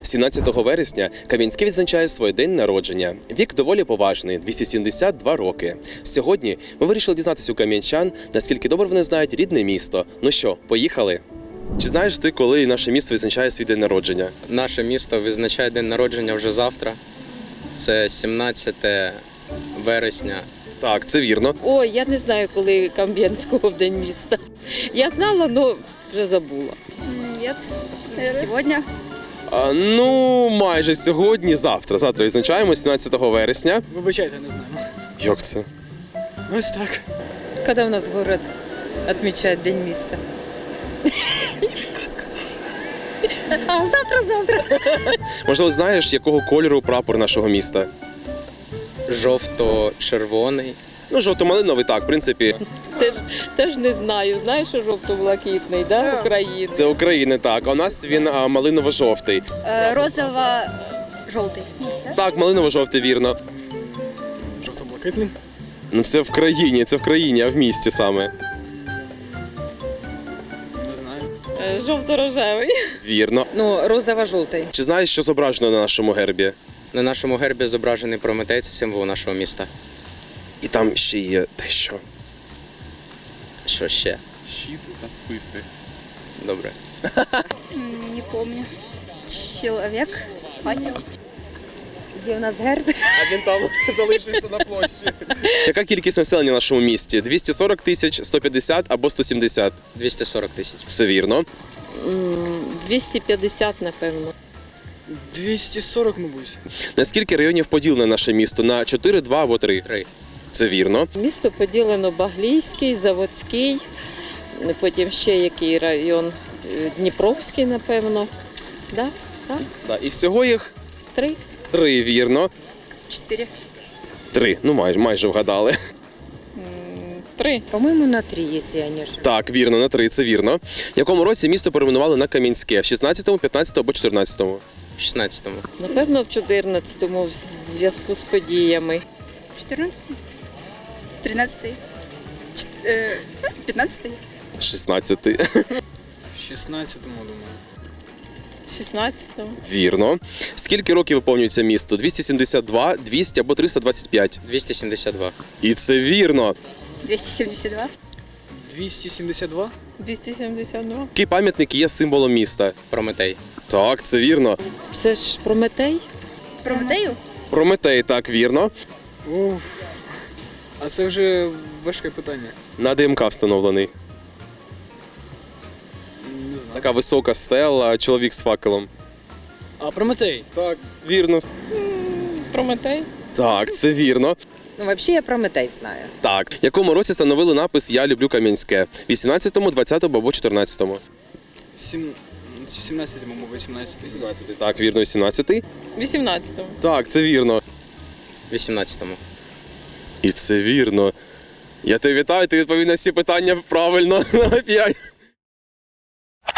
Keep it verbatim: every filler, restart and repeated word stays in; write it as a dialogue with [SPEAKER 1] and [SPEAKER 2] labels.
[SPEAKER 1] сімнадцятого вересня Кам'янське відзначає свій день народження. Вік доволі поважний – двісті сімдесят два роки. Сьогодні ми вирішили дізнатися у кам'янчан, наскільки добре вони знають рідне місто. Ну що, поїхали? Чи знаєш ти, коли наше місто відзначає свій день народження?
[SPEAKER 2] Наше місто відзначає день народження вже завтра. Це сімнадцяте вересня.
[SPEAKER 1] Так, це вірно.
[SPEAKER 3] Ой, я не знаю, коли Кам'янського в день міста. Я знала, але вже забула.
[SPEAKER 4] Нет. Сегодня.
[SPEAKER 1] А, ну, майже сьогодні, завтра. Завтра відзначаємо сімнадцятого вересня.
[SPEAKER 5] Вибачайте, не знаю.
[SPEAKER 1] Як це?
[SPEAKER 5] Ну, ось так.
[SPEAKER 3] Коли у нас город відмічає день міста? А завтра-завтра.
[SPEAKER 1] Можливо, знаєш, якого кольору прапор нашого міста?
[SPEAKER 2] Жовто-червоний.
[SPEAKER 1] Ну, жовто-малиновий, так, в принципі.
[SPEAKER 3] Теж, теж не знаю. Знаєш, що жовто-блакитний, да, України?
[SPEAKER 1] Це України, так. А у нас він а, малиново-жовтий.
[SPEAKER 4] Розово-желтый.
[SPEAKER 1] Так, малиново-жовтий, вірно.
[SPEAKER 5] Жовто-блакитний.
[SPEAKER 1] Ну це в країні, це в країні, а в місті саме.
[SPEAKER 5] Не знаю.
[SPEAKER 3] Е, Жовто-рожевий.
[SPEAKER 1] Вірно.
[SPEAKER 3] Ну, розово-жовтий.
[SPEAKER 1] Чи знаєш, що зображено на нашому гербі?
[SPEAKER 2] На нашому гербі зображений Прометей, це символ нашого міста.
[SPEAKER 1] І там ще є дещо.
[SPEAKER 2] Що ще?
[SPEAKER 1] Щит та списи.
[SPEAKER 2] Добре.
[SPEAKER 4] Не помню. Человек. Ангел.
[SPEAKER 3] Є у нас герб.
[SPEAKER 1] А він там залишився на площі. Яка кількість населення в нашому місті? двісті сорок тисяч, сто п'ятдесят або сто сімдесят?
[SPEAKER 2] двісті сорок тисяч.
[SPEAKER 1] Все вірно.
[SPEAKER 3] М, двісті п'ятдесят, напевно.
[SPEAKER 5] двісті сорок, мабуть.
[SPEAKER 1] На скільки районів поділене наше місто? На чотири, два або три?
[SPEAKER 2] Три.
[SPEAKER 1] Це вірно.
[SPEAKER 3] Місто поділено Баглійський, Заводський, потім ще який район, Е, Дніпровський, напевно. Да? Так?
[SPEAKER 1] Да. І всього їх
[SPEAKER 3] Три.
[SPEAKER 1] три, вірно.
[SPEAKER 4] Четыре.
[SPEAKER 1] Три, ну майже, майже вгадали.
[SPEAKER 3] Три.
[SPEAKER 6] По-моему, на три, если я не ошибаюсь.
[SPEAKER 1] Так, вірно, на три, це вірно. В якому році місто перейменували на Кам'янське? В шістнадцятому, п'ятнадцятому або чотирнадцятому?
[SPEAKER 2] В шістнадцятому.
[SPEAKER 3] Напевно, в чотирнадцятому в зв'язку з подіями.
[SPEAKER 4] Четырнадцатый. Тринадцатый. Чет- э, Пятнадцатый.
[SPEAKER 1] шістнадцятий.
[SPEAKER 5] В шістнадцятому, думаю.
[SPEAKER 3] шістнадцятому.
[SPEAKER 1] Вірно. Скільки років виповнюється місто? двісті сімдесят два, двісті або триста двадцять п'ять?
[SPEAKER 2] двісті сімдесят два.
[SPEAKER 1] І це вірно.
[SPEAKER 4] Двести семьдесят два.
[SPEAKER 5] двісті сімдесят два.
[SPEAKER 3] двісті сімдесят два.
[SPEAKER 1] Який пам'ятник є символом міста?
[SPEAKER 2] Прометей.
[SPEAKER 1] Так, це вірно.
[SPEAKER 3] Це ж Прометей?
[SPEAKER 4] Прометею.
[SPEAKER 1] Прометей, так, вірно.
[SPEAKER 5] Уф. А це вже важке питання.
[SPEAKER 1] На ДМК встановлений.
[SPEAKER 5] Не знаю.
[SPEAKER 1] Така висока стела, чоловік з факелом.
[SPEAKER 5] А Прометей?
[SPEAKER 1] Так, вірно.
[SPEAKER 3] Прометей?
[SPEAKER 1] Так, це вірно.
[SPEAKER 6] Ну, вообще я Прометей знаю.
[SPEAKER 1] Так. В якому році встановили напис «Я люблю Кам'янське»? вісімнадцятому, двадцятому або чотирнадцятому?
[SPEAKER 5] Сім... сімнадцятому, або вісімнадцятий.
[SPEAKER 1] вісімнадцятий. Так, вірно, вісімнадцятий.
[SPEAKER 3] вісімнадцятому.
[SPEAKER 1] Так, це вірно.
[SPEAKER 2] вісімнадцятому.
[SPEAKER 1] І це вірно. Я тебе вітаю, ти відповів на всі питання правильно. На п'ять.